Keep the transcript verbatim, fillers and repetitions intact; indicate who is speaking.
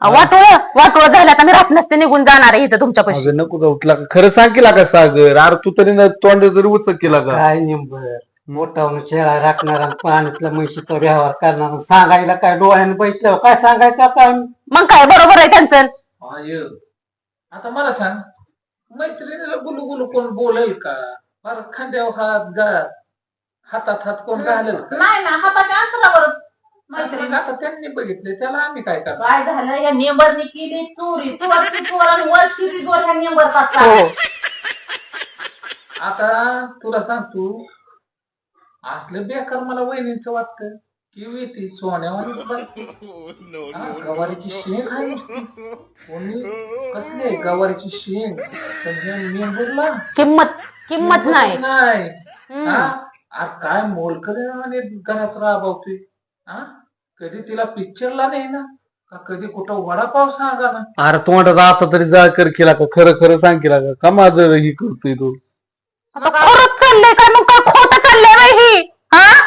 Speaker 1: वाटोळ वाटोळ झालं आता मी राहत नसते निघून जाणार आहे इथं तुमच्या पैसे.
Speaker 2: अगं नको का उठला का खरं सांग केला का सागर अरे तू तरी ना तोंड तरी उचक केला का
Speaker 3: काय निंबर मोठा शेळा राखणारा पाण्यातल्या म्हशीचा व्यवहार करणार सांगायला काय डोळ्याने बघितलं काय सांगायचं आता
Speaker 1: मग काय बरोबर आहे त्यांचं.
Speaker 4: आय, आता मला सांग मैत्रिणीला गुलू गुलू कोण बोलेल का फार खांद्यावर हात गा हातात हात कोण घालेल का
Speaker 5: नाही ना हाताच्या अंतरावर मैत्रीण.
Speaker 4: मग आता त्यांनी बघितले त्याला आम्ही काय करणार
Speaker 5: काय झालं या नेंबरनी केली चोरी चोरची चोर आणि वर शिरीज वर ह्या नेंबर
Speaker 1: हो
Speaker 5: टाकला.
Speaker 4: आता तुला सांगतो असलं बेकार मला वहिनींच वाटतं की येते सोन्यावानी गवारीची शेंग आहे नुसती. कोणी कसले गवारीची शेंग मेंबरला
Speaker 1: किंमत किंमत नाही.
Speaker 4: नाही
Speaker 1: हम्म.
Speaker 4: हा? आ, काय मोलकरी आणि घरात राबवतोय हा कधी तिला पिक्चरला नाही ना का कधी कुठं वडापाव सांगा ना
Speaker 2: अरे तोंडात आता तरी जा कर केला का खरं खरं सांग केला का का माझं ही करतोय तू
Speaker 1: आता खरंच चाललंय काय मग